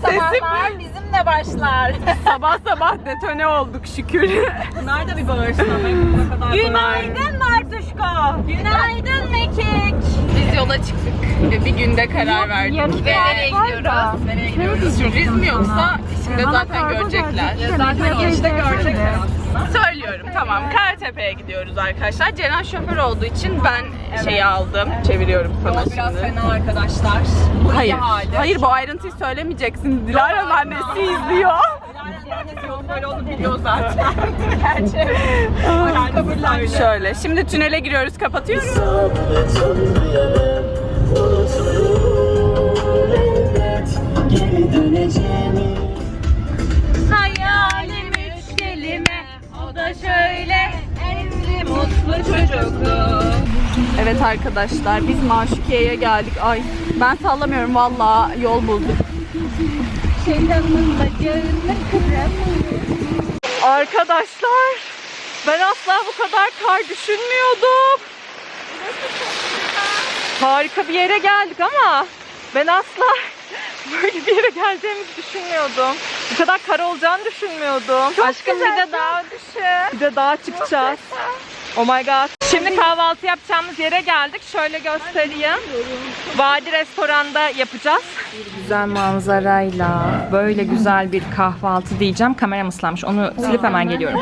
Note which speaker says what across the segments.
Speaker 1: sabahlar bizimle başlar.
Speaker 2: Sabah sabah detone olduk şükür.
Speaker 1: Bunlar da bir bağışlama. Günaydın Martuşko. Günaydın Mekik.
Speaker 2: Biz yola çıktık. Bir günde karar verdik.
Speaker 1: Nereye gidiyoruz?
Speaker 2: Nereye gidiyoruz? Riz mi yoksa şimdi zaten görecekler.
Speaker 1: Zaten geçte görecekler.
Speaker 2: Söylüyorum tamam. Kartepe'ye gidiyoruz arkadaşlar. Ceren şoför olduğu için ben şeyi aldım. Çeviriyorum sana şimdi.
Speaker 1: Biraz fena arkadaşlar.
Speaker 2: Hayır. Hayır bu ayrıntıyı söylemeyeceksin. Dilara'nın annesi izliyor.
Speaker 1: Annesi yolun böyle olduğunu biliyor zaten. Gerçi.
Speaker 2: Şöyle. Şimdi tünele giriyoruz. Kapatıyoruz.
Speaker 1: Hayalim üç kelime. O da şöyle evli mutlu çocuklu.
Speaker 2: Evet arkadaşlar biz Maşukiye'ye geldik. Ay ben sallamıyorum valla yol bulduk.
Speaker 1: Şeytanın da gözüne
Speaker 2: Arkadaşlar ben asla bu kadar kar düşünmüyordum. Harika bir yere geldik ama ben asla böyle bir yere geleceğimizi düşünmüyordum. Bu kadar kar olacağını düşünmüyordum. Aşkım bir de dağa düşün. Bir de dağa çıkacağız. Oh my god. Şimdi kahvaltı yapacağımız yere geldik. Şöyle göstereyim. Vadi restoranda yapacağız. Güzel manzarayla böyle güzel bir kahvaltı diyeceğim. Kameram ıslanmış. Onu silip hemen geliyorum.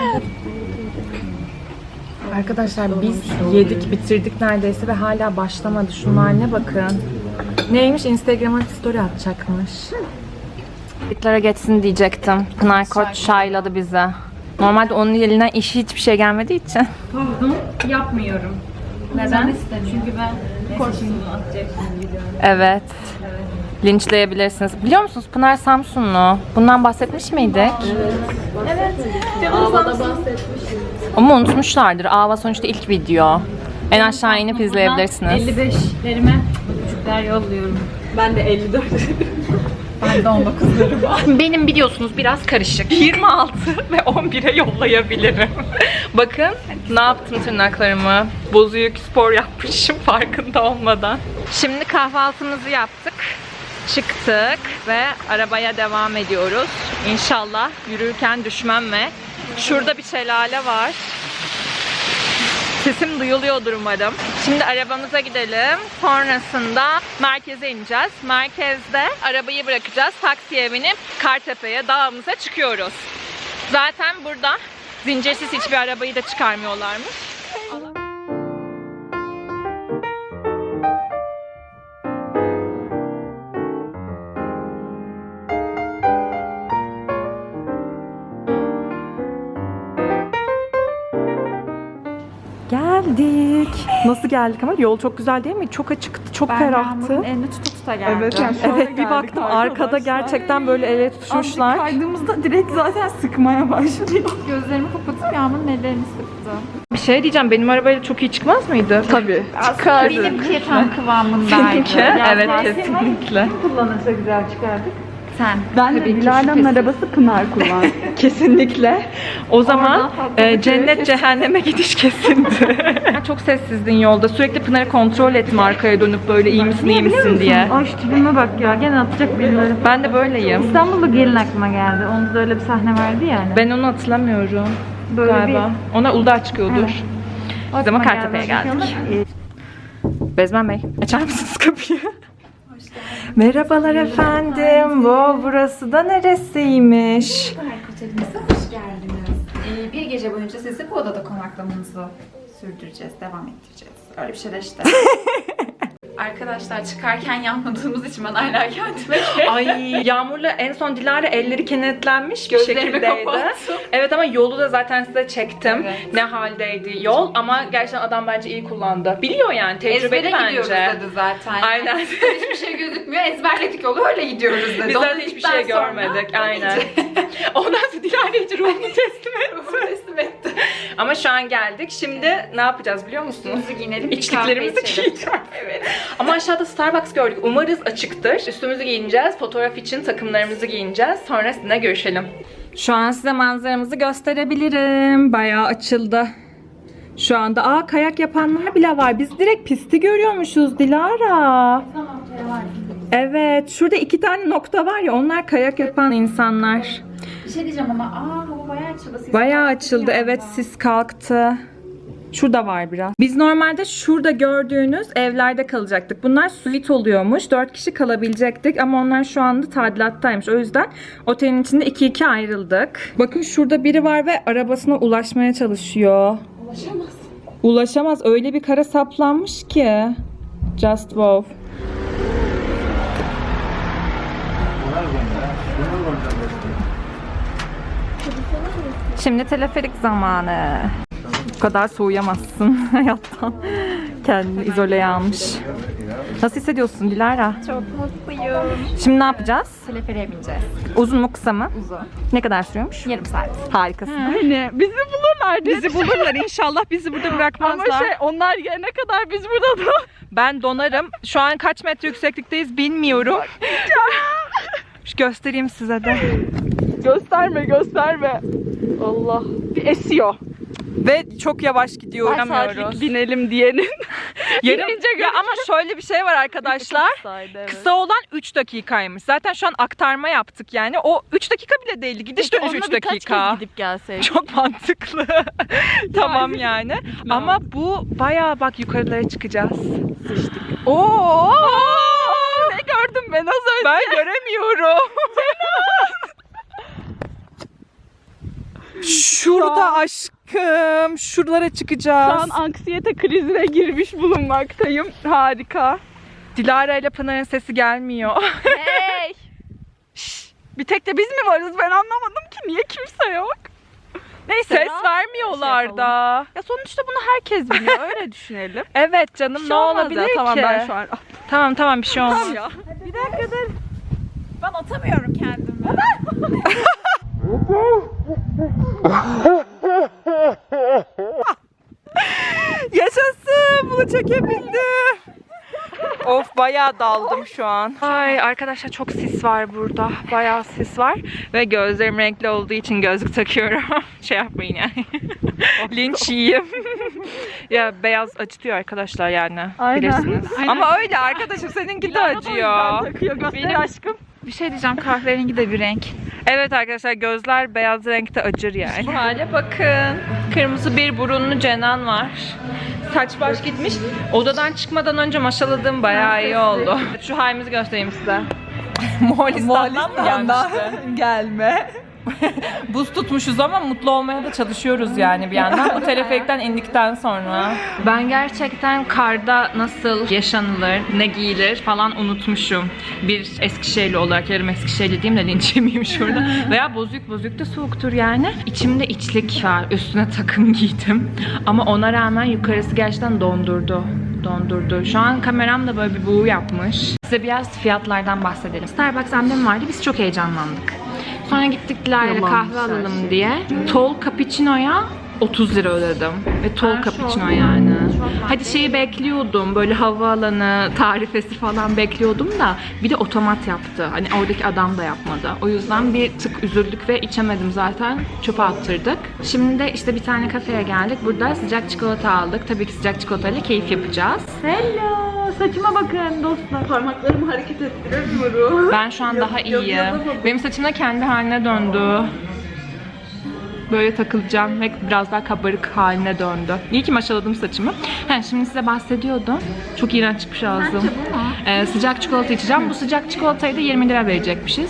Speaker 2: Arkadaşlar biz yedik bitirdik neredeyse ve hala başlamadı. Şunun haline bakın. Neymiş? Instagram'a story atacakmış. Bitlere geçsin diyecektim. Pınar Koç şayladı bize. Normalde onun elinden işi hiçbir şey gelmediği için.
Speaker 1: yapmıyorum.
Speaker 2: Neden?
Speaker 1: Çünkü ben korkusunu atacaksınız biliyorum.
Speaker 2: Evet. Linçleyebilirsiniz. Biliyor musunuz Pınar Samsunlu? Bundan bahsetmiş miydik?
Speaker 1: Evet. Havada bahsetmiştim.
Speaker 2: Ama unutmuşlardır. Ava sonuçta ilk video. En aşağı inip izleyebilirsiniz.
Speaker 1: 55'lerime küçükler yolluyorum. Ben de 54. Ben de 19'larım.
Speaker 2: Benim biliyorsunuz biraz karışık. 26 ve 11'e yollayabilirim. Bakın ne yaptım tırnaklarımı. Bozuyuk spor yapmışım farkında olmadan. Şimdi kahvaltımızı yaptık. Çıktık ve arabaya devam ediyoruz. İnşallah yürürken düşmem ve şurada bir şelale var. Sesim duyuluyordur umarım. Şimdi arabamıza gidelim. Sonrasında merkeze ineceğiz. Merkezde arabayı bırakacağız. Taksiye binip Kartepe'ye, dağımıza çıkıyoruz. Zaten burada zincirsiz hiçbir arabayı da çıkarmıyorlarmış. Geldik. Nasıl geldik ama yol çok güzel değil mi? Çok açıktı, çok ferahtı.
Speaker 1: Elini tuta geldi.
Speaker 2: Evet, evet bir baktım arkada gerçekten böyle ele tutuşmuşlar.
Speaker 1: Kaydığımızda direkt zaten sıkmaya başlıyor. Gözlerimi kapatıp Yağmur'un ellerini sıktı.
Speaker 2: Bir şey diyeceğim, benim arabayla çok iyi çıkmaz mıydı? Tabii. Çıkardı.
Speaker 1: Benimki tam kıvamındaydı.
Speaker 2: Seninki? Evet, kesinlikle.
Speaker 1: Kullanırsa güzel çıkardık. Sen.
Speaker 3: Ben de Dilara'nın arabası Pınar kullan.
Speaker 2: Kesinlikle. O zaman cennet cehenneme gidiş kesindi. Çok sessizdin yolda. Sürekli Pınar'ı kontrol ettim arkaya dönüp böyle iyi misin iyi misin diye.
Speaker 1: Ay şu tipime bak ya. Gene atacak birileri.
Speaker 2: Ben de böyleyim.
Speaker 1: İstanbul'da gelin aklıma geldi. Onda da öyle bir sahne vardı yani.
Speaker 2: Ben onu hatırlamıyorum.
Speaker 1: Böyle
Speaker 2: Galiba. Ona Uludağ çıkıyordur. Biz ama
Speaker 1: Aklıma
Speaker 2: Kartepe'ye geldik. Bezmen Bey, açar mısınız kapıyı? Merhabalar efendim. Wow, burası da neresiymiş?
Speaker 4: Otelimize hoş geldiniz. Bir gece boyunca sizi bu odada konaklamanızı sürdüreceğiz, devam ettireceğiz. Öyle bir şeyler işte. Arkadaşlar çıkarken yanmadığımız için ben hala kendime
Speaker 2: Ay Yağmur'la en son Dilara elleri kenetlenmiş bir
Speaker 4: Gözlerimi
Speaker 2: şekildeydi.
Speaker 4: kapattım.
Speaker 2: Evet ama yolu da zaten size çektim.
Speaker 4: Evet.
Speaker 2: Ne haldeydi yol ama gerçekten adam bence iyi kullandı. Biliyor yani tecrübeli
Speaker 4: ezbere gidiyoruz
Speaker 2: bence.
Speaker 4: dedi zaten.
Speaker 2: Aynen.
Speaker 4: Hiçbir şey gözükmüyor. Ezberledik yolu öyle gidiyoruz dedi.
Speaker 2: Biz zaten
Speaker 4: Onu
Speaker 2: hiçbir
Speaker 4: dedikten
Speaker 2: şey
Speaker 4: sonra
Speaker 2: görmedik.
Speaker 4: onu
Speaker 2: Aynen.
Speaker 4: iyice
Speaker 2: Ondan sonra Dilara iyice ruhunu teslim etti.
Speaker 4: teslim etti.
Speaker 2: Ama şu an geldik. Şimdi ne yapacağız biliyor musunuz?
Speaker 4: Üstümüzü giyinelim. bir
Speaker 2: İçliklerimizi
Speaker 4: kahve içelim.
Speaker 2: giyeceğiz. Evet. Ama aşağıda Starbucks gördük. Umarız açıktır. Üstümüzü giyineceğiz. Fotoğraf için takımlarımızı giyineceğiz. Sonra sizinle görüşelim. Şu an size manzaramızı gösterebilirim. Bayağı açıldı. Şu anda kayak yapanlar bile var. Biz direkt pisti görüyormuşuz Dilara. Evet, şurada 2 tane nokta var ya, onlar kayak yapan insanlar.
Speaker 4: Bir şey diyeceğim ama hava bayağı açıldı. Siz
Speaker 2: Bayağı açıldı, evet, sis kalktı. Şurada var biraz. Biz normalde şurada gördüğünüz evlerde kalacaktık. Bunlar suite oluyormuş. 4 kişi kalabilecektik ama onlar şu anda tadilattaymış. O yüzden otelin içinde 2-2 ayrıldık. Bakın şurada biri var ve arabasına ulaşmaya çalışıyor.
Speaker 4: Ulaşamaz.
Speaker 2: Ulaşamaz. Öyle bir kara saplanmış ki. Just wow. Şimdi teleferik zamanı. Bu kadar soğuyamazsın hayattan. Kendini izoleye almış. Nasıl hissediyorsun Dilara?
Speaker 4: Çok mutluyum.
Speaker 2: Şimdi ne yapacağız?
Speaker 4: Teleferiğe bineceğiz.
Speaker 2: Uzun mu kısa mı?
Speaker 4: Uzun.
Speaker 2: Ne kadar sürüyormuş?
Speaker 4: Yarım saat.
Speaker 2: Harikasın.
Speaker 3: Hani bizi bulurlar diye.
Speaker 2: Bizi bulurlar inşallah, bizi burada bırakmazlar.
Speaker 3: Ama onlar gelene kadar biz burada da.
Speaker 2: Ben donarım. Şu an kaç metre yükseklikteyiz bilmiyorum. Şu göstereyim size de.
Speaker 3: Gösterme. Allah. Bir esiyor.
Speaker 2: Ve çok yavaş gidiyor.
Speaker 3: Kaç saatlik binelim diyenin.
Speaker 2: Ya ama şöyle bir şey var arkadaşlar.
Speaker 3: Evet.
Speaker 2: Kısa olan 3 dakikaymış. Zaten şu an aktarma yaptık yani. O 3 dakika bile değildi. Gidiş dönüş 3 dakika.
Speaker 3: Gidip gelseydik.
Speaker 2: Çok mantıklı. Tamam yani. Ama bu bayağı bak yukarılara çıkacağız.
Speaker 3: Oo! Ne gördüm ben az önce?
Speaker 2: Ben göremiyorum. Şurada aşkım. Şuralara
Speaker 3: Şu
Speaker 2: çıkacağız.
Speaker 3: an anksiyete krizine girmiş bulunmaktayım. Harika.
Speaker 2: Dilara ile Pınar'ın sesi gelmiyor.
Speaker 3: Hey! Bir tek de biz mi varız? Ben anlamadım ki. Niye kimse yok? Neyse.
Speaker 2: Ses vermiyorlar da.
Speaker 3: Ya sonuçta bunu herkes biliyor. Öyle düşünelim.
Speaker 2: Evet canım,
Speaker 3: Bir şey
Speaker 2: ne
Speaker 3: olmaz
Speaker 2: olabilir
Speaker 3: ya.
Speaker 2: ki?
Speaker 3: Tamam ben şu an.
Speaker 2: Tamam bir şey olmaz.
Speaker 3: Ya.
Speaker 4: Bir dakika dur. Ben atamıyorum kendimi.
Speaker 2: Yaşasın, bunu çekebildim. Of, bayağı daldım şu an. Ay arkadaşlar, çok sis var burada. Bayağı sis var. Ve gözlerim renkli olduğu için gözlük takıyorum. Şey yapmayın yani. Linç yiyeyim. Ya beyaz acıtıyor arkadaşlar yani.
Speaker 3: Aynen.
Speaker 2: Bilirsiniz.
Speaker 3: Aynen.
Speaker 2: Ama öyle arkadaşım, seninki de acıyor.
Speaker 3: Benim aşkım.
Speaker 4: Bir şey diyeceğim, kahverengi de bir renk.
Speaker 2: Evet arkadaşlar, gözler beyaz renkte acır yani. Hale bakın. Kırmızı bir burunlu Cenan var. Saç baş gitmiş. Odadan çıkmadan önce maşaladığım bayağı iyi oldu. Şu halimizi göstereyim size. Moğolistan'dan mı gelmişti?
Speaker 3: Gelme.
Speaker 2: Buz tutmuşuz ama mutlu olmaya da çalışıyoruz yani bir yandan. Bu teleferikten indikten sonra. Ben gerçekten karda nasıl yaşanılır, ne giyilir falan unutmuşum. Bir Eskişehirli olarak, yarım Eskişehirli diyeyim de linç yemeyeyim şurada. Veya bozuk da soğuktur yani. İçimde içlik var. Üstüne takım giydim. Ama ona rağmen yukarısı gerçekten dondurdu. Şu an kameram da böyle bir buğu yapmış. Size biraz fiyatlardan bahsedelim. Starbucks amblemi vardı. Biz çok heyecanlandık. Sonra gittik Dilara'yla kahve alalım diye. Tall Cappuccino'ya 30 lira ödedim. Ve tall cappuccino yani. Hadi şeyi bekliyordum. Böyle havaalanı tarifesi falan bekliyordum da bir de otomat yaptı. Hani oradaki adam da yapmadı. O yüzden bir tık üzüldük ve içemedim zaten. Çöpe attırdık. Şimdi de işte bir tane kafeye geldik. Burada sıcak çikolata aldık. Tabii ki sıcak çikolatayla keyif yapacağız.
Speaker 3: Hello. Saçıma bakın dostlar. Parmaklarımı hareket ettiremiyorum.
Speaker 2: Ben şu an daha iyiyim. Benim saçım da kendi haline döndü. Böyle takılacağım ve biraz daha kabarık haline döndü. İyi ki maşaladım saçımı. Şimdi size bahsediyordum. Çok iğrenç çıkmış ağzım. Sıcak çikolata içeceğim. Bu sıcak çikolatayı da 20 lira verecekmişiz.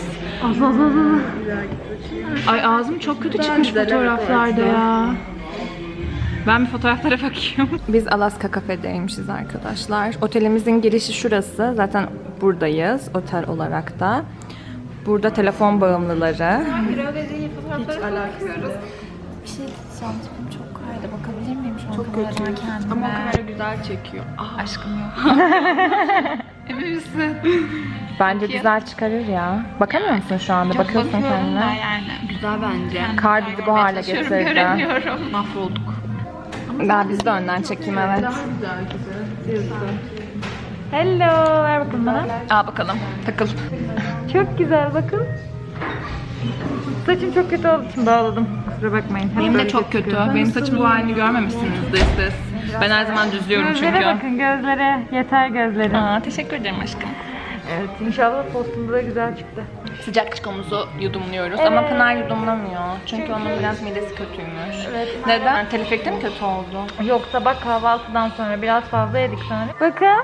Speaker 2: Ay ağzım çok kötü çıkmış fotoğraflarda ya. Ben bir fotoğraflara bakayım. Biz Alaska Cafe'deymişiz arkadaşlar. Otelimizin girişi şurası. Zaten buradayız otel olarak da. Burada telefon bağımlıları.
Speaker 4: Hiç bakıyoruz. Bir şey diyeceğim, tipim çok kaydı. Bakabilir miyim şu an çok kötü kendime?
Speaker 3: Ama kamera güzel çekiyor.
Speaker 4: Aşkım yok. Emin misin?
Speaker 2: Bence güzel çıkarır ya. Bakamıyor musun şu anda? Bakıyorsun kendine.
Speaker 4: Yani. Güzel bence.
Speaker 2: Kar bizi bu hale getirdi.
Speaker 4: Göremiyorum. Mahvolduk.
Speaker 2: Daha bizi de önden çekeyim, evet.
Speaker 3: Güzel.
Speaker 2: Hello, ver bakalım bana. Al bakalım, takıl. Çok güzel, bakın. Saçım çok kötü olduğu için bağladım. Kusura bakmayın.
Speaker 4: Benim de çok kötü. Benim saçım bu halini görmemişsinizdir siz. Ben her zaman düzlüyorum çünkü.
Speaker 2: Gözlere bakın, gözlere. Yeter gözlerim.
Speaker 4: Teşekkür ederim aşkım.
Speaker 1: Evet, inşallah postumda da güzel çıktı.
Speaker 2: Sıcak çikomuzu yudumluyoruz ama Pınar yudumlamıyor. Çünkü onun biraz midesi kötüymüş.
Speaker 1: Evet.
Speaker 2: Neden? Telefikte mi kötü oldu?
Speaker 1: Yok, sabah kahvaltıdan sonra biraz fazla yedik sonra. Bakın.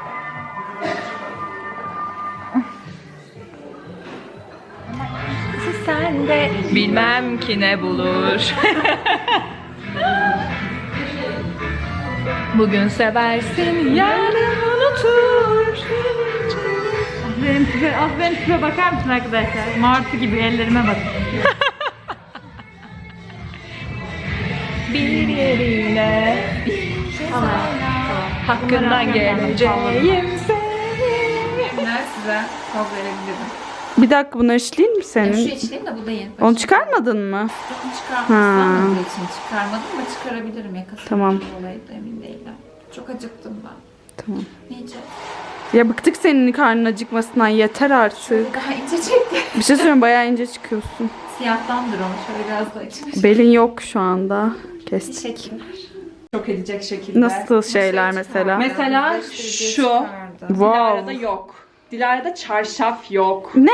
Speaker 2: Sen de bilmem ki ne bulur. Bugün seversin, yarın unutur.
Speaker 1: Benim tipe bakar mısın arkadaşlar? Martı gibi ellerime bakın.
Speaker 2: Bir yerine hakkından geleceğim seni.
Speaker 4: Bunlar size poz verebilirim.
Speaker 3: Bir dakika, bunları işleyeyim mi
Speaker 4: Şu
Speaker 3: senin?
Speaker 4: içleyeyim de bu da yeni.
Speaker 3: Onu çıkarmadın mı?
Speaker 4: Bunu çıkarmadım için çıkarmadım ama çıkarabilirim yakasından
Speaker 3: Tamam.
Speaker 4: dolayı da emin değilim. Çok acıktım ben.
Speaker 3: Tamam.
Speaker 4: Ne yiyeceğiz?
Speaker 3: Ya bıktık senin karnın acıkmasından, yeter artık.
Speaker 4: Daha ince çekti.
Speaker 3: Bir şey söyleyeyim, bayağı ince çıkıyorsun.
Speaker 4: Siyahtandır onu. Şöyle biraz da açmış.
Speaker 3: Belin yok şu anda. Kestik.
Speaker 4: Teşekkürler.
Speaker 2: Çok edecek şekilde.
Speaker 3: Nasıl şeyler mesela?
Speaker 2: Mesela şu.
Speaker 3: Wow.
Speaker 2: Dilara'da yok. Dilara'da çarşaf yok.
Speaker 3: Ne?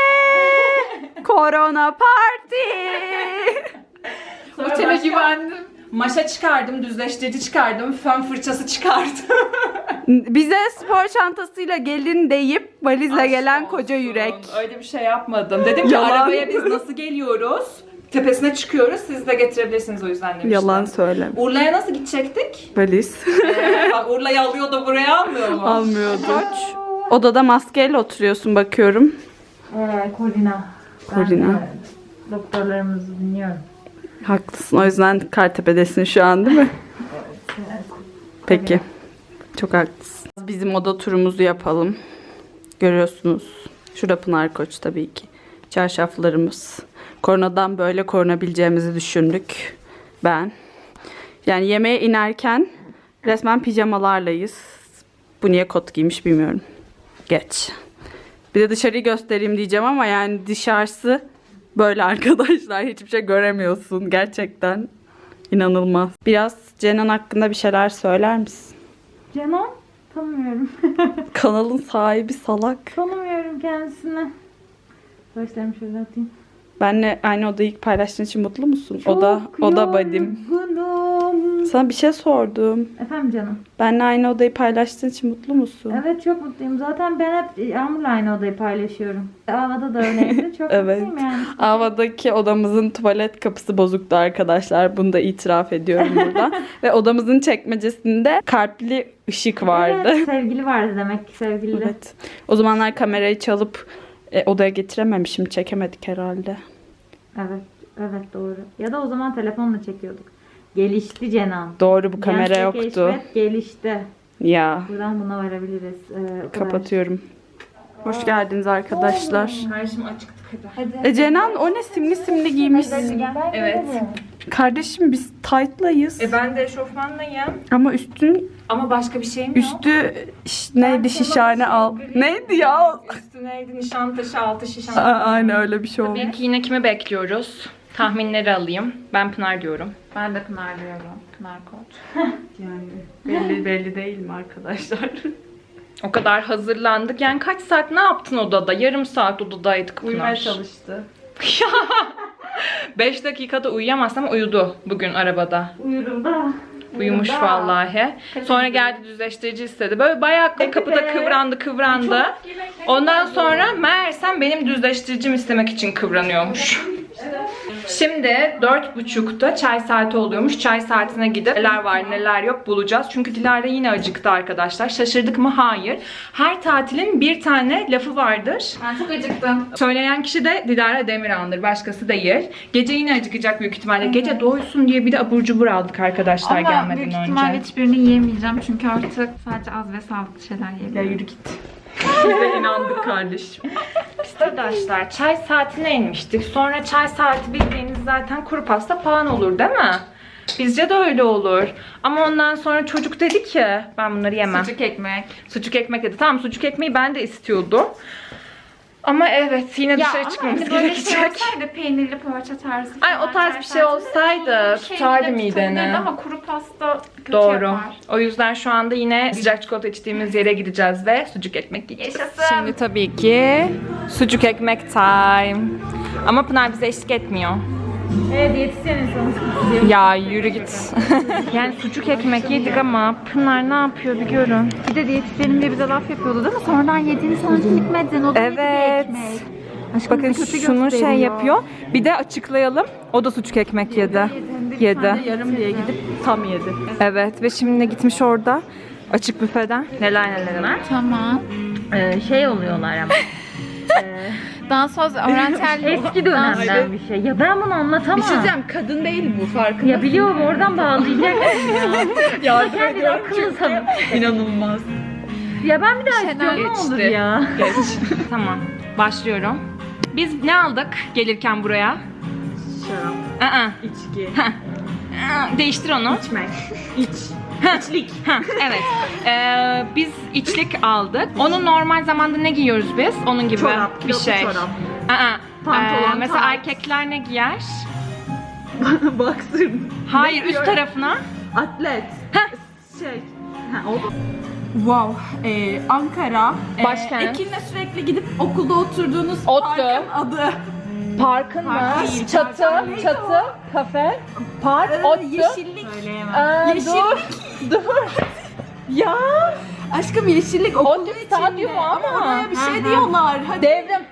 Speaker 3: Korona parti.
Speaker 2: Otele güvendim. Maşa çıkardım, düzleştirici çıkardım, fön fırçası çıkardım.
Speaker 3: Bize spor çantasıyla gelin deyip valizle gelen
Speaker 2: Aşk
Speaker 3: koca
Speaker 2: olsun.
Speaker 3: yürek.
Speaker 2: Öyle bir şey yapmadım. Dedim ki
Speaker 3: Yalan.
Speaker 2: arabaya biz nasıl geliyoruz? Tepesine çıkıyoruz, siz de getirebilirsiniz o yüzden demiştim.
Speaker 3: Yalan söyleme.
Speaker 2: Urla'ya nasıl gidecektik?
Speaker 3: Valiz.
Speaker 2: Bak Urla'yı alıyor da buraya almıyor mu?
Speaker 3: Almıyordu. Odada maskeyle oturuyorsun bakıyorum.
Speaker 1: Korina.
Speaker 3: Korina.
Speaker 1: Doktorlarımızı dinliyorum.
Speaker 3: Haklısın. O yüzden Kartepe'desin şu an değil mi? Peki. Çok haklısın. Bizim oda turumuzu yapalım. Görüyorsunuz. Şurada Pınar Koç tabii ki. Çarşaflarımız. Koronadan böyle korunabileceğimizi düşündük. Ben. Yani yemeğe inerken resmen pijamalarlayız. Bu niye kot giymiş bilmiyorum. Geç. Bir de dışarıyı göstereyim diyeceğim ama yani dışarısı böyle arkadaşlar. Hiçbir şey göremiyorsun. Gerçekten inanılmaz. Biraz Cenan hakkında bir şeyler söyler misin?
Speaker 1: Canan? Tanımıyorum.
Speaker 3: Kanalın sahibi salak.
Speaker 1: Tanımıyorum kendisini. Başlarımı şöyle atayım.
Speaker 3: Benle aynı odayı ilk paylaştığın için mutlu musun? O da badim.
Speaker 1: Yorgunum.
Speaker 3: Sana bir şey sordum.
Speaker 1: Efendim canım.
Speaker 3: Benle aynı odayı paylaştığın için mutlu musun?
Speaker 1: Evet, çok mutluyum. Zaten ben hep Yağmur'la aynı odayı paylaşıyorum. Ava'da da öyleydi. Çok
Speaker 3: Evet.
Speaker 1: mutluyum yani.
Speaker 3: Ava'daki odamızın tuvalet kapısı bozuktu arkadaşlar. Bunu da itiraf ediyorum burada. Ve odamızın çekmecesinde kalpli ışık vardı.
Speaker 1: Evet, sevgili vardı demek ki, sevgili.
Speaker 3: Evet. O zamanlar kamerayı çalıp odaya getirememişim. Çekemedik herhalde.
Speaker 1: Evet. Evet, doğru. Ya da o zaman telefonla çekiyorduk. Gelişti Cenan.
Speaker 3: Doğru, bu kamera
Speaker 1: Gençlik
Speaker 3: yoktu.
Speaker 1: keşfet gelişti.
Speaker 3: Ya.
Speaker 1: Buradan buna varabiliriz. O kadar.
Speaker 3: Kapatıyorum. Hoş geldiniz arkadaşlar.
Speaker 2: Kardeşim acıktık hadi.
Speaker 3: Cenan o ne, simli simli giymişsin.
Speaker 2: Evet.
Speaker 3: Kardeşim biz tight'layız.
Speaker 2: Ben de eşofmanlayım.
Speaker 3: Ama üstün
Speaker 2: Ama başka bir şeyim yok.
Speaker 3: üstü neydi, şişhane al. Neydi ya?
Speaker 2: Üstü neydi? Nişantaşı, altı şişan.
Speaker 3: Aynı öyle bir şey oldu.
Speaker 2: Peki yine kimi bekliyoruz? Tahminleri alayım. Ben Pınar diyorum.
Speaker 4: Ben de Pınar diyorum. Pınar Koç.
Speaker 3: Yani belli değil mi arkadaşlar?
Speaker 2: O kadar hazırlandık. Yani kaç saat ne yaptın odada? Yarım saat odadaydık Pınar.
Speaker 3: Uyumaya çalıştı.
Speaker 2: 5 dakikada uyuyamaz ama uyudu bugün arabada.
Speaker 1: Uyurum da.
Speaker 2: Uyumuş vallahi. Sonra geldi düzleştirici istedi. Böyle bayağı kapıda kıvrandı. Ondan sonra meğersem benim düzleştiricim istemek için kıvranıyormuş. Şimdi 4.30'da çay saati oluyormuş. Çay saatine gidip neler var neler yok bulacağız. Çünkü Dilara yine acıktı arkadaşlar. Şaşırdık mı? Hayır. Her tatilin bir tane lafı vardır.
Speaker 4: Ben çok acıktım.
Speaker 2: Söyleyen kişi de Dilara Demirhan'dır. Başkası değil. Gece yine acıkacak büyük ihtimalle. Gece doysun diye bir de abur cubur aldık arkadaşlar
Speaker 4: Ama
Speaker 2: gelmeden
Speaker 4: büyük
Speaker 2: önce.
Speaker 4: ihtimalle hiçbirini yiyemeyeceğim çünkü artık sadece az ve sağlıklı şeyler
Speaker 2: Ya
Speaker 4: yiyebilirim.
Speaker 2: yürü git. Biz de inandık kardeşim. Biz arkadaşlar çay saatine inmiştik. Sonra çay saati bildiğiniz zaten kuru pasta falan olur değil mi? Bizce de öyle olur. Ama ondan sonra çocuk dedi ki ben bunları yemem.
Speaker 4: Sucuk ekmek.
Speaker 2: Sucuk ekmek dedi. Tamam, sucuk ekmeği ben de istiyordum. Ama evet yine dışarı
Speaker 4: ama
Speaker 2: çıkmamız
Speaker 4: hani böyle
Speaker 2: gerekecek.
Speaker 4: şey olsaydı peynirli poğaça tarzı
Speaker 2: Ay,
Speaker 4: falan,
Speaker 2: o tarz bir şey olsaydı tutardı
Speaker 4: bile
Speaker 2: mideni.
Speaker 4: tutabilirdi ama kuru pasta kötü
Speaker 2: Doğru.
Speaker 4: yapar.
Speaker 2: O yüzden şu anda yine sıcak çikolata içtiğimiz yere gideceğiz ve sucuk ekmek yiyeceğiz.
Speaker 4: Yaşasın.
Speaker 2: Şimdi tabii ki sucuk ekmek time. Ama Pınar bize eşlik etmiyor.
Speaker 1: Diyetisyen insanız.
Speaker 2: Ya yürü git. Yani sucuk ekmek yedik ama Pınar ne yapıyor bir görün.
Speaker 1: Bir de diyetisyenim diye bize laf yapıyordu değil mi? Sonradan yediğini sana gitmedin. O da yedi bir
Speaker 2: Evet.
Speaker 1: ekmek. Aşkım
Speaker 2: Bakın
Speaker 1: kötü
Speaker 2: şunu şey
Speaker 1: gösteriyor.
Speaker 2: yapıyor. Bir de açıklayalım. O da sucuk ekmek yedi. Yedi.
Speaker 3: Yarım diye gidip tam yedi.
Speaker 2: Evet ve şimdi gitmiş orada açık büfeden. Neler var.
Speaker 4: Tamam.
Speaker 2: Şey oluyorlar ama.
Speaker 4: Dansöz, oryantal...
Speaker 2: Eski dönemden bir şey. Ya ben bunu anlatamam.
Speaker 3: Bir şey diyeceğim, kadın değil bu, farkında.
Speaker 2: Ya biliyorum oradan bağlayacak ya. Kendini akıllı sanın.
Speaker 3: İnanılmaz.
Speaker 2: Ya ben bir daha
Speaker 4: Şener
Speaker 2: istiyorum ne olur
Speaker 3: geçti.
Speaker 2: ya. Geç. Tamam başlıyorum. Biz ne aldık gelirken buraya?
Speaker 3: Şarap,
Speaker 2: Aa.
Speaker 3: içki,
Speaker 2: Değiştir onu.
Speaker 3: içmek, içlik.
Speaker 2: Evet. Biz içlik aldık. Onu normal zamanda ne giyiyoruz biz? Onun gibi
Speaker 3: Çorap,
Speaker 2: bir
Speaker 3: kilotlu
Speaker 2: şey.
Speaker 3: çorap.
Speaker 2: Pantolon. Mesela
Speaker 3: tight.
Speaker 2: erkekler ne giyer?
Speaker 3: Boxer,
Speaker 2: Hayır üst tarafına.
Speaker 3: atlet,
Speaker 2: Heh.
Speaker 3: şey. O. Wow. Ankara.
Speaker 2: Başkent.
Speaker 3: Ekin'le sürekli gidip okulda oturduğunuz
Speaker 2: Ottu.
Speaker 3: parkın adı.
Speaker 2: Parkın mı?
Speaker 3: değil,
Speaker 2: Çatı,
Speaker 3: park.
Speaker 2: çatı, kafe, park, ottu.
Speaker 3: Yeşillik.
Speaker 2: Yeşillik. Dur. Ya.
Speaker 3: Aşkım yeşillik okulun
Speaker 2: Ottu
Speaker 3: içinde.
Speaker 2: stadyumu ama.
Speaker 3: Oraya bir şey diyorlar. Hadi.
Speaker 2: Devrim.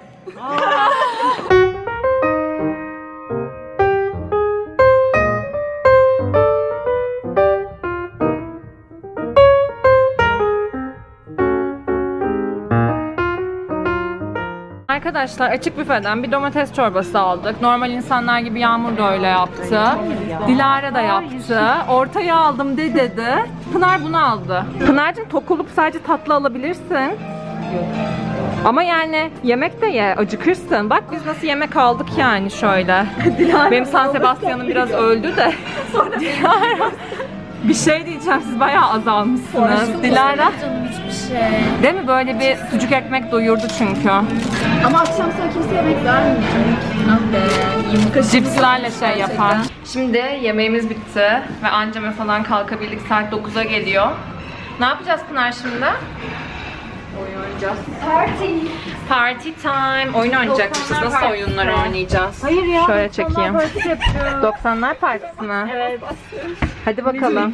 Speaker 2: Arkadaşlar açık büfeden bir domates çorbası aldık. Normal insanlar gibi Yağmur da öyle yaptı. Dilara da yaptı. Ortaya aldım dedi. Pınar bunu aldı. Pınar'cığım tok olup sadece tatlı alabilirsin. Ama yani yemek de ye, acıkırsın. Bak biz nasıl yemek aldık yani şöyle. Benim San Sebastian'ım biraz öldü de. Dilara. Bir şey diyeceğim, siz bayağı azalmışsınız. Dilara.
Speaker 4: Canım hiçbir şey.
Speaker 2: Değil mi? Böyle bir sucuk ekmek doyurdu çünkü.
Speaker 3: Ama akşam sana kimse yemek vermeyecek. Ah be.
Speaker 2: Cipslerle şey yapar. Şimdi yemeğimiz bitti ve ancama falan kalkabildik. Saat 9'a geliyor. Ne yapacağız Pınar şimdi?
Speaker 3: Oyun oynayacağız.
Speaker 2: Party time. Oyun oynayacakmışız. Nasıl oyunlar oynayacağız?
Speaker 1: Hayır ya.
Speaker 2: Şöyle çekeyim. 90'lar partisi mi?
Speaker 1: Evet.
Speaker 2: Hadi bakalım.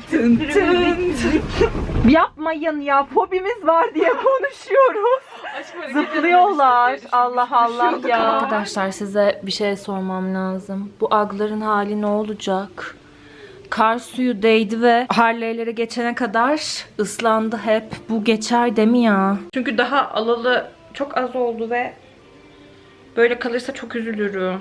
Speaker 2: Yapmayın ya. Fobimiz var diye konuşuyoruz. Zıplıyorlar. Allah Allah ya. Arkadaşlar size bir şey sormam lazım. Bu agların hali ne olacak? Kar suyu değdi ve Harley'lere geçene kadar ıslandı hep. Bu geçer değil mi ya? Çünkü daha alalı çok az oldu ve böyle kalırsa çok üzülürüm.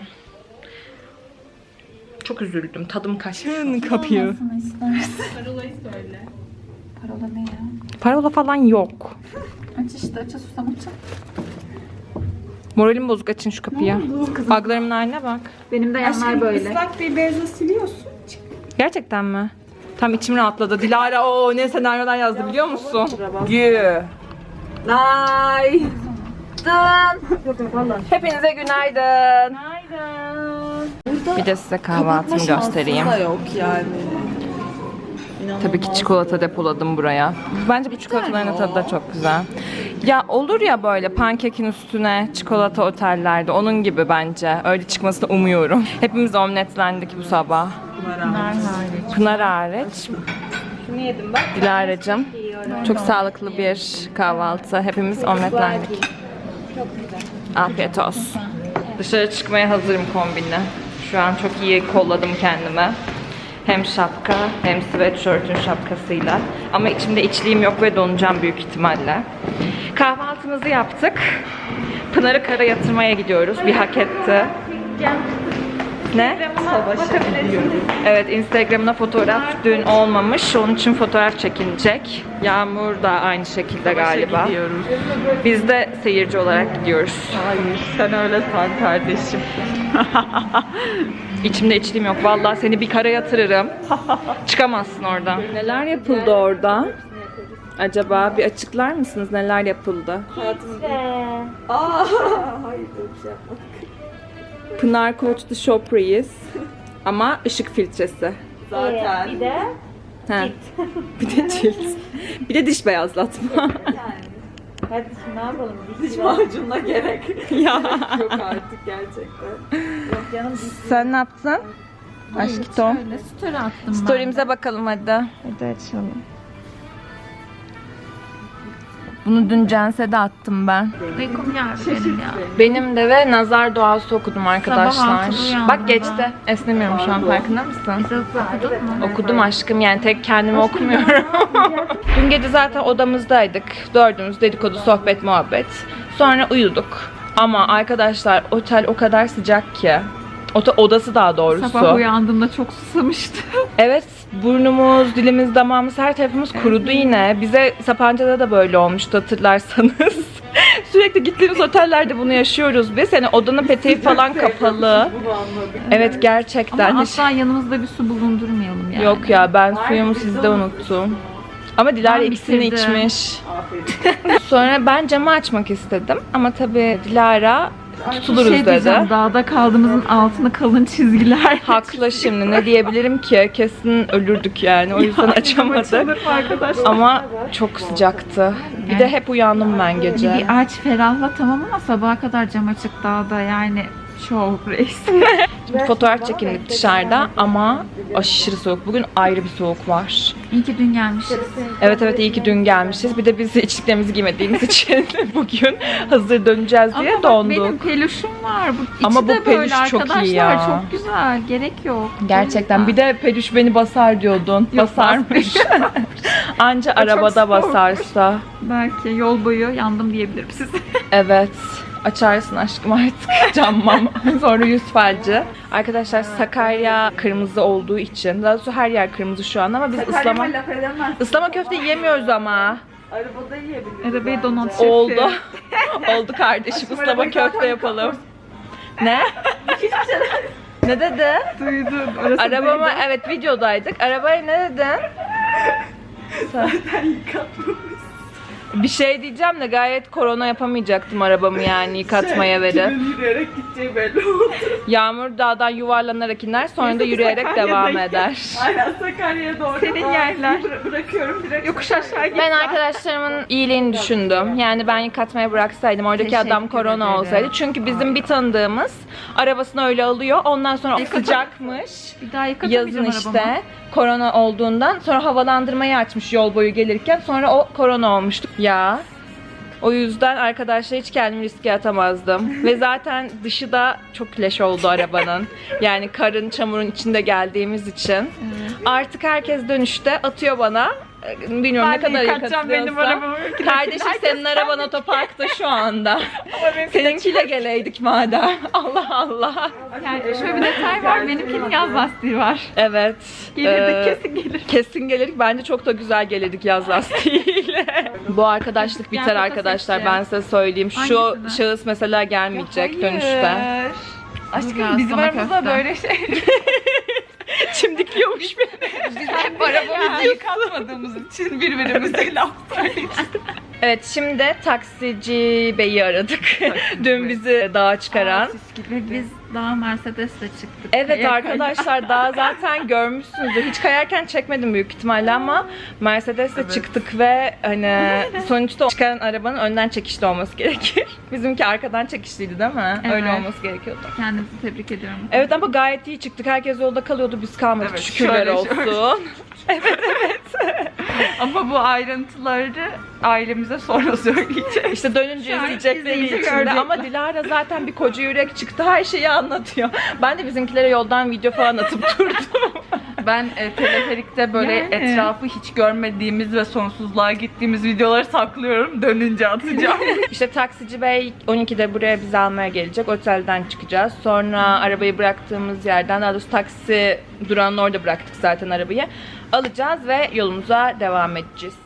Speaker 2: Çok üzüldüm. Tadım kaçtı. Kapıyı.
Speaker 3: Parolayı söyle.
Speaker 4: Parola ne ya?
Speaker 2: Parola falan yok.
Speaker 4: Aç işte, aç susam aç.
Speaker 2: Moralim bozuk, açın şu kapıyı. Aglarımın haline bak.
Speaker 1: Benim de yanlar böyle.
Speaker 3: Islak bir bezle siliyorsun.
Speaker 2: Gerçekten mi? Tam içim rahatladı. Dilara o ne senaryolar yazdı biliyor musun? Gü.
Speaker 3: Nay.
Speaker 2: Hepinize günaydın. Bir de size kahvaltımı göstereyim.
Speaker 3: Da yok yani.
Speaker 2: Tabii ki çikolata depoladım buraya. Bence bu çikolataların tadı da çok güzel. Ya olur ya böyle pankekin üstüne çikolata otellerde, onun gibi bence. Öyle çıkmasını umuyorum. Hepimiz omletlendik bu sabah. Pınar hariç. Şunu yedim bak. Dilara'cığım. Çok sağlıklı bir kahvaltı. Hepimiz omletlendik. Afiyet olsun. Dışarı çıkmaya hazırım kombinle. Şu an çok iyi kolladım kendime. Hem şapka hem sweatshirt'ün şapkasıyla. Ama içimde içliğim yok ve donacağım büyük ihtimalle. Kahvaltımızı yaptık. Pınar'ı kara yatırmaya gidiyoruz. Bir hak etti. Ne? Evet, Instagram'ına fotoğraf dün olmamış. Onun için fotoğraf çekilecek. Yağmur da aynı şekilde galiba. Biz de seyirci olarak gidiyoruz.
Speaker 3: Hayır, sen öyle san kardeşim.
Speaker 2: İçimde içliğim yok. Vallahi seni bir kara yatırırım. Çıkamazsın oradan. Neler yapıldı orada? acaba? Bir açıklar mısınız neler yapıldı? Pınar Koç'tu Showpraise ama ışık filtresi.
Speaker 3: Zaten.
Speaker 1: Bir de
Speaker 2: Ha. Bir de cilt. Bir de diş beyazlatma.
Speaker 1: hadi ne yapalım?
Speaker 3: Diş macununa gerek
Speaker 2: Ya.
Speaker 3: yok artık gerçekten.
Speaker 1: Yok canım biz
Speaker 2: Sen ne yaptın? Aşkım.
Speaker 1: öyle story attım
Speaker 2: Story'mize bakalım hadi. Hadi açalım. Bunu dün Cense'de attım ben.
Speaker 1: Uykum geldi benim ya.
Speaker 2: Benim de ve nazar duası okudum arkadaşlar.
Speaker 1: altıda uyandım
Speaker 2: Bak geçti. Esnemiyorum şu an, farkında mısın?
Speaker 1: Okudun mu?
Speaker 2: Okudum aşkım, yani tek kendimi okumuyorum. Dün gece zaten odamızdaydık. Dördümüz dedikodu, sohbet, muhabbet. Sonra uyuduk. Ama arkadaşlar otel o kadar sıcak ki. Odası daha doğrusu.
Speaker 1: Sabah uyandığımda çok susamıştım.
Speaker 2: Evet, burnumuz, dilimiz, damağımız, her tarafımız kurudu yine. Bize Sapanca'da da böyle olmuştu hatırlarsanız. Sürekli gittiğimiz otellerde bunu yaşıyoruz biz. Hani odanın peteği falan kapalı.
Speaker 3: Bunu anladık.
Speaker 2: Evet, gerçekten.
Speaker 1: Ama
Speaker 2: Hiç-
Speaker 1: asla yanımızda bir su bulundurmayalım yani.
Speaker 2: Yok ya, ben suyumu sizde unuttum. Ama Dilara
Speaker 1: Ben
Speaker 2: ikisini
Speaker 1: bitirdim.
Speaker 2: içmiş.
Speaker 3: Aferin.
Speaker 2: Sonra ben camı açmak istedim. Ama tabii Dilara
Speaker 1: Bir
Speaker 2: tutuluruz
Speaker 1: şey diyeceğim,
Speaker 2: dedi.
Speaker 1: dağda kaldığımızın altında kalın çizgiler.
Speaker 2: Haklı şimdi, ne diyebilirim ki? Kesin ölürdük yani. O yüzden açamadık. Ama çok sıcaktı. Bir de hep uyandım ben gece.
Speaker 1: Bir aç ferahla tamam ama sabaha kadar cam açık dağda yani show race.
Speaker 2: Fotoğraf çekindik dışarıda ama aşırı soğuk. Bugün ayrı bir soğuk var.
Speaker 1: İyi ki dün gelmişiz.
Speaker 2: Evet iyi ki dün gelmişiz. Bir de biz içliklerimizi giymediğimiz için bugün hazır döneceğiz diye
Speaker 1: Ama bak
Speaker 2: donduk.
Speaker 1: benim peluşum var. Bu, içi
Speaker 2: Ama bu
Speaker 1: de böyle
Speaker 2: peluş çok iyi
Speaker 1: arkadaşlar.
Speaker 2: ya.
Speaker 1: Çok güzel. Gerek yok.
Speaker 2: Gerçekten. Bir de peluş beni basar diyordun. Basarmış. Anca arabada
Speaker 1: soğukmuş.
Speaker 2: basarsa.
Speaker 1: Belki yol boyu yandım diyebilirim size.
Speaker 2: Evet. Açarsın aşkım artık cammam. Sonra yüz felci. Arkadaşlar Sakarya kırmızı olduğu için. Daha doğrusu her yer kırmızı şu an ama biz ıslama köfte yiyemiyoruz ama.
Speaker 3: Arabada yiyebiliriz.
Speaker 1: Arabayı donat şefi.
Speaker 2: Oldu. Oldu kardeşim. Islama köfte yapalım. Ne? Ne dedi?
Speaker 1: Duydum. Orası
Speaker 2: Arabama evet videodaydık. Arabaya ne dedin? Bir şey diyeceğim de gayet korona yapamayacaktım arabamı yani yıkatmaya verip.
Speaker 3: Kimin yürüyerek gideceği belli oldu.
Speaker 2: Yağmur dağdan yuvarlanarak iner, sonra da yürüyerek devam eder.
Speaker 3: Aynen Sakarya'ya doğru.
Speaker 1: Senin yerler.
Speaker 3: Bırakıyorum direkt.
Speaker 1: yokuş aşağı git.
Speaker 2: Ben arkadaşlarımın iyiliğini düşündüm. Yani ben yıkatmaya bıraksaydım, oradaki adam
Speaker 1: Teşekkür
Speaker 2: korona
Speaker 1: ederim.
Speaker 2: olsaydı. Çünkü bizim bir tanıdığımız arabasını öyle alıyor. Ondan sonra sıcakmış.
Speaker 1: Bir daha yıkatamayacağım
Speaker 2: Yazın
Speaker 1: arabamı.
Speaker 2: işte korona olduğundan sonra havalandırmayı açmış yol boyu gelirken, sonra o korona olmuştu. Ya o yüzden arkadaşlar hiç kendimi riske atamazdım. Ve zaten dışı da çok leş oldu arabanın. Yani karın, çamurun içinde geldiğimiz için. Artık herkes dönüşte atıyor bana. Bilmiyorum ne kadar
Speaker 1: yıkatacağım benim
Speaker 2: yıkatılıyorsa.
Speaker 1: arabamı.
Speaker 2: Kardeşim senin araban otoparkta şu anda. Seninkiyle geleydik madem. Allah Allah.
Speaker 1: Yani şöyle bir detay var. Benimkinin yaz lastiği var.
Speaker 2: Evet.
Speaker 1: Gelirdik kesin gelir.
Speaker 2: Kesin gelirdik. Bence çok da güzel gelirdik yaz lastiğiyle. Bu arkadaşlık biter
Speaker 1: fotoğraf
Speaker 2: arkadaşlar.
Speaker 1: çekeceğim.
Speaker 2: Ben size söyleyeyim. Şu
Speaker 1: Hangisini?
Speaker 2: şahıs mesela gelmeyecek dönüşte.
Speaker 1: Aşkım bizim aramızda böyle şey.
Speaker 2: Çimdikliyormuş beni.
Speaker 1: Biz hep arabamızı yıkatmadığımız için birbirimize laf
Speaker 2: Evet, şimdi taksici beyi aradık. Dün bizi dağa çıkaran.
Speaker 1: Ve biz daha Mercedes'le çıktık.
Speaker 2: Evet
Speaker 1: Kaya kaya.
Speaker 2: arkadaşlar, daha zaten görmüşsünüzdür. Hiç kayarken çekmedim büyük ihtimalle ama Mercedes'le çıktık ve hani sonuçta çıkaran arabanın önden çekişli olması gerekir. Bizimki arkadan çekişliydi değil mi?
Speaker 1: Evet.
Speaker 2: Öyle olması gerekiyordu.
Speaker 1: Kendimizi tebrik ediyorum.
Speaker 2: Evet ama gayet iyi çıktık. Herkes yolda kalıyordu, biz kalmadık.
Speaker 1: Evet,
Speaker 2: Şükürler
Speaker 1: şöyle,
Speaker 2: olsun.
Speaker 1: Ama bu ayrıntıları ailemize sonra söyleyeceğiz.
Speaker 2: İşte dönünce
Speaker 1: Şu an
Speaker 2: izleyecekleri
Speaker 1: izleyince
Speaker 2: içinde.
Speaker 1: görecekler.
Speaker 2: Ama Dilara zaten bir koca yürek çıktı. Her şeyi anlatıyor. Ben de bizimkilere yoldan video falan atıp durdum.
Speaker 5: Ben teleferikte böyle
Speaker 1: Yani.
Speaker 5: etrafı hiç görmediğimiz ve sonsuzluğa gittiğimiz videoları saklıyorum. Dönünce atacağım.
Speaker 2: İşte taksici bey 12'de buraya bizi almaya gelecek. Otelden çıkacağız. Sonra arabayı bıraktığımız yerden, daha doğrusu taksi durağının orada bıraktık zaten arabayı. Alacağız ve yolumuza devam edeceğiz.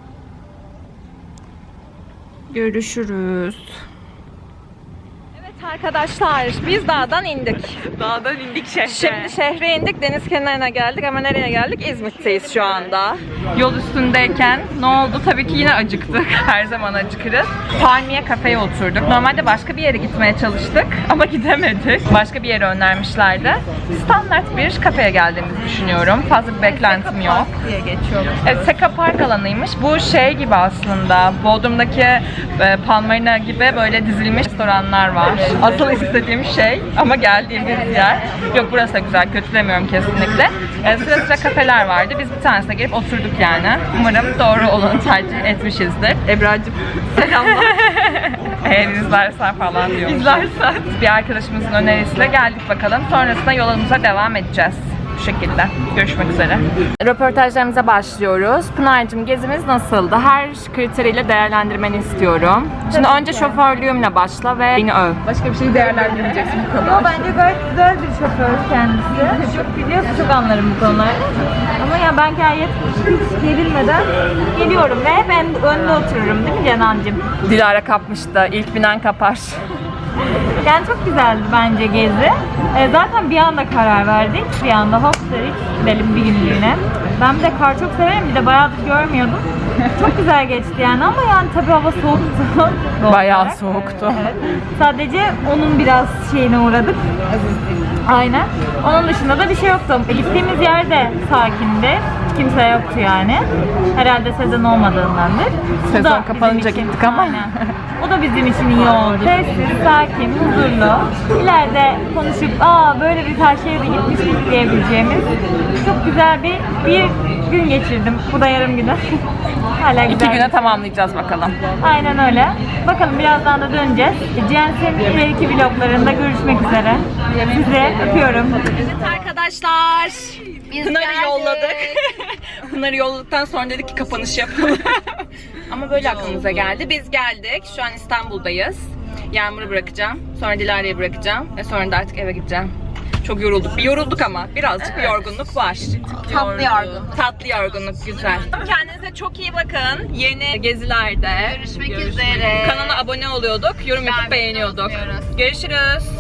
Speaker 2: Görüşürüz. Evet Arkadaşlar biz dağdan indik.
Speaker 5: Dağdan indik şehre.
Speaker 2: Şimdi şehre indik, deniz kenarına geldik ama nereye geldik? İzmit'teyiz şu anda.
Speaker 5: Yol üstündeyken ne oldu? Tabii ki yine acıktık. Her zaman acıkırız. Palmiye kafeye oturduk. Normalde başka bir yere gitmeye çalıştık ama gidemedik. Başka bir yere önermişlerdi. Standart bir kafeye geldiğimizi düşünüyorum. Fazla bir beklentim yok.
Speaker 2: Diye geçiyor.
Speaker 5: Evet, Seka Park alanıymış. Bu şey gibi aslında. Bodrum'daki Palmarina gibi böyle dizilmiş restoranlar var. Asıl istediğim şey ama geldiğimiz yer. Yok, burası da güzel. Kötülemiyorum kesinlikle. Sıra sıra kafeler vardı. Biz bir tanesine gelip oturduk yani. Umarım doğru olanı tercih etmişizdir.
Speaker 2: Ebra'cığım selamlar.
Speaker 5: Eğer izlersen falan diyormuş.
Speaker 2: İzlersen.
Speaker 5: Bir arkadaşımızın önerisiyle geldik bakalım. Sonrasında yolumuza devam edeceğiz. Bu şekilde. Görüşmek üzere.
Speaker 2: Röportajlarımıza başlıyoruz. Pınar'cığım gezimiz nasıldı? Her kriteriyle değerlendirmeni istiyorum. Şimdi önce şoförlüğümle başla ve beni öv.
Speaker 5: Başka bir şey değerlendirmeyeceksin bu kadar.
Speaker 1: Bence gayet güzel bir şoför kendisi. Çok biliyorsun, çok anlarım bu konularda. Ama ya ben gayet hiç gerilmeden geliyorum ve hep önde otururum değil mi Canancığım?
Speaker 2: Dilara kapmıştı. İlk binen kapar.
Speaker 1: Yani çok güzeldi bence gezi. Zaten bir anda karar verdik. Bir anda hop dedik gidelim bir günlüğüne. Ben bir de kar çok severim. Bir de bayağıdır görmüyordum. Çok güzel geçti yani ama yani tabii hava soğuktu. Doğal
Speaker 2: Bayağı
Speaker 1: olarak.
Speaker 2: soğuktu.
Speaker 1: Evet. Sadece onun biraz şeyine uğradık. Aynen. Onun dışında da bir şey yoktu. Gittiğimiz yer de sakindi. Kimse yoktu yani. Herhalde sezon olmadığındandır. Bu
Speaker 2: Sezon
Speaker 1: da bizim
Speaker 2: kapanınca
Speaker 1: için-
Speaker 2: gittik ama.
Speaker 1: Aynen. O da bizim için iyi oldu. Sessiz, sakin, huzurlu. İleride konuşup böyle bir karşıya da gitmiştik diyebileceğimiz çok güzel bir gün geçirdim. Bu da yarım günü. Hala güzel.
Speaker 2: 2 güne tamamlayacağız bakalım.
Speaker 1: Aynen öyle. Bakalım birazdan da döneceğiz. Cens'in ileriki vloglarında görüşmek üzere. Sizi öpüyorum.
Speaker 2: Evet arkadaşlar. Pınar'ı yolladık. Pınar'ı yolladıktan sonra dedik ki kapanış yapalım. Ama böyle aklımıza geldi. Biz geldik. Şu an İstanbul'dayız. Yağmur'u bırakacağım. Sonra Dilara'yı bırakacağım. Ve sonra da artık eve gideceğim. Çok yorulduk. Bir yorulduk ama. Birazcık bir yorgunluk var.
Speaker 4: Tatlı yorgunluk.
Speaker 2: Tatlı yorgunluk. Güzel. Kendinize çok iyi bakın. Yeni gezilerde.
Speaker 4: Görüşmek üzere.
Speaker 2: Kanala abone oluyorduk. Yorum yapıp beğeniyorduk. Görüşürüz.